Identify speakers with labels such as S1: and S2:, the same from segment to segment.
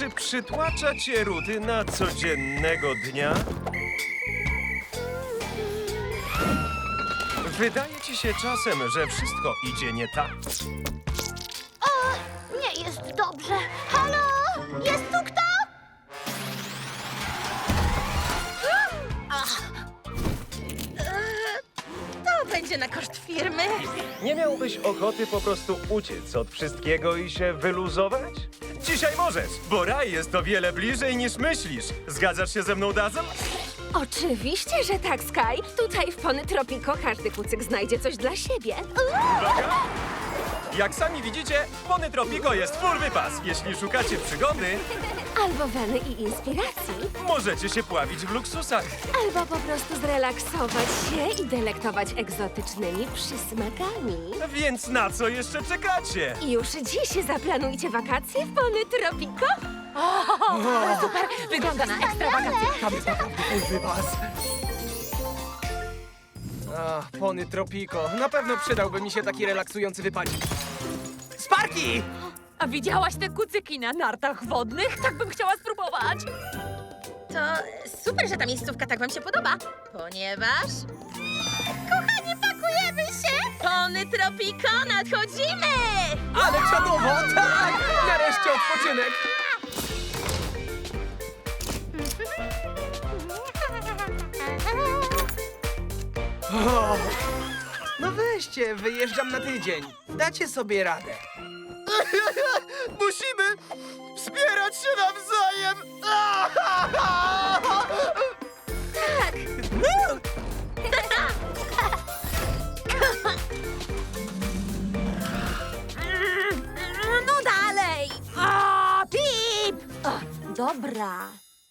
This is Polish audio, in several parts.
S1: Czy przytłacza cię rutyna codziennego dnia? Wydaje ci się czasem, że wszystko idzie nie tak?
S2: O, nie jest dobrze. Halo? Jest tu kto?
S3: To będzie na koszt firmy.
S1: Nie miałbyś ochoty po prostu uciec od wszystkiego i się wyluzować? Dzisiaj możesz, bo raj jest o wiele bliżej niż myślisz. Zgadzasz się ze mną, Dazzle?
S4: Oczywiście, że tak, Sky. Tutaj w Pony Tropico każdy kucyk znajdzie coś dla siebie.
S1: Uwaga! Jak sami widzicie, Pony Tropico jest full wypas. Jeśli szukacie przygody,
S4: Albo weny i inspiracji.
S1: możecie się pławić w luksusach.
S4: Albo po prostu zrelaksować się i delektować egzotycznymi przysmakami.
S1: Więc na co jeszcze czekacie?
S4: Już dziś zaplanujcie wakacje w Pony Tropico.
S3: Super, wygląda na ekstra wakacje.
S5: Tam jest naprawdę full wypas. Ach, Pony Tropico. Na pewno przydałby mi się taki relaksujący wypadzik. Sparki!
S3: A widziałaś te kucyki na nartach wodnych? Tak bym chciała spróbować. To super, że ta miejscówka tak wam się podoba, ponieważ... Kochani, pakujemy się! Pony Tropico, nadchodzimy!
S5: Ale czadowo! Tak! Nareszcie odpoczynek! O, no weźcie, wyjeżdżam na tydzień. Dacie sobie radę.
S1: Musimy wspierać się nawzajem!
S4: Tak,
S3: No dalej! A, Pip! O, dobra.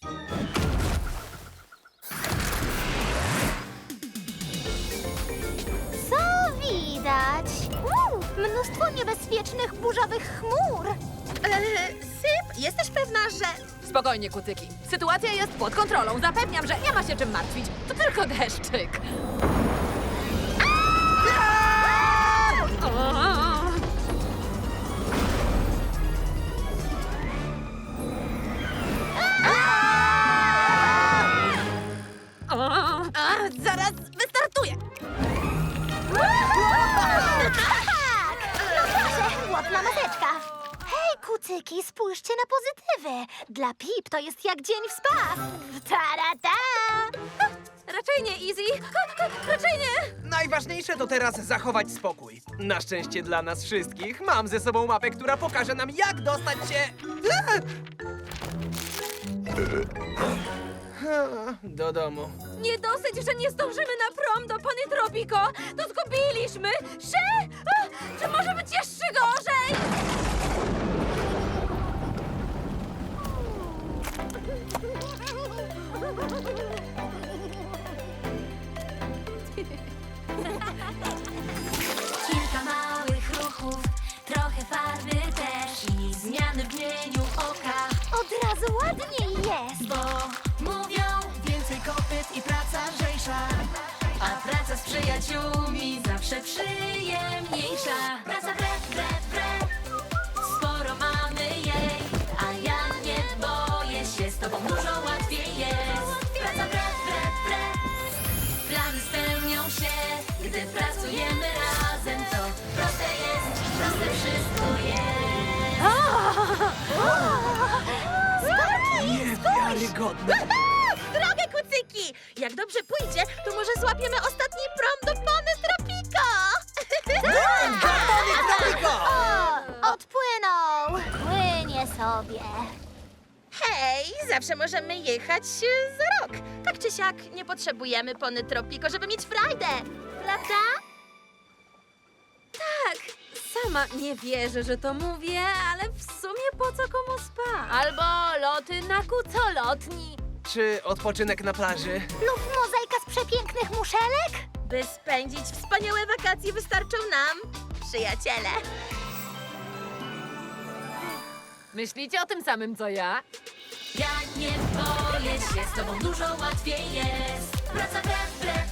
S2: Co widać? Mnóstwo niebezpiecznych burzowych chmur.
S3: Syp, jesteś pewna, że... Spokojnie, kucyki. Sytuacja jest pod kontrolą. Zapewniam, że nie ma się czym martwić. To tylko deszczyk. Zaraz wystartuję.
S2: No proszę, ładna maseczka. Hej, kucyki, spójrzcie na pozytywy. Dla Pip to jest jak dzień w spa. Tarata!
S3: Raczej nie, Easy. Raczej nie.
S5: Najważniejsze to teraz zachować spokój. Na szczęście dla nas wszystkich mam ze sobą mapę, która pokaże nam, jak dostać się... Do domu.
S3: Nie dosyć, że nie zdążymy na prom do Pony Tropico, to zgubiliśmy się! Czy może być jeszcze gorzej?
S6: Kilka małych ruchów, trochę farby też i zmiany w mieniu oka,
S2: Od razu ładniej jest.
S6: bo mówią więcej kopyt i praca lżejsza, a praca z przyjaciółmi zawsze przyjemniejsza. Praca wre, sporo mamy jej, a ja nie boję się, z tobą dużo łatwiej jest. Praca wre, plany spełnią się, gdy pracujemy razem, to proste wszystko jest.
S5: Niewiarygodne.
S3: Drogę, kucyki! Jak dobrze pójdzie, to może złapiemy ostatni prom do Pony Tropico!
S5: Pony Tropico!
S2: O, odpłynął. Płynie sobie.
S3: Hej, zawsze możemy jechać za rok. Tak czy siak nie potrzebujemy Pony Tropico, żeby mieć frajdę. Prawda? Tak. Sama nie wierzę, że to mówię, ale w sumie po co komu spa? Albo loty na kucolotni.
S5: Czy odpoczynek na plaży?
S2: Lub mozaika z przepięknych muszelek?
S3: By spędzić wspaniałe wakacje wystarczą nam przyjaciele. Myślicie o tym samym, co ja?
S6: Ja nie boję się, z tobą dużo łatwiej jest. Praca wre,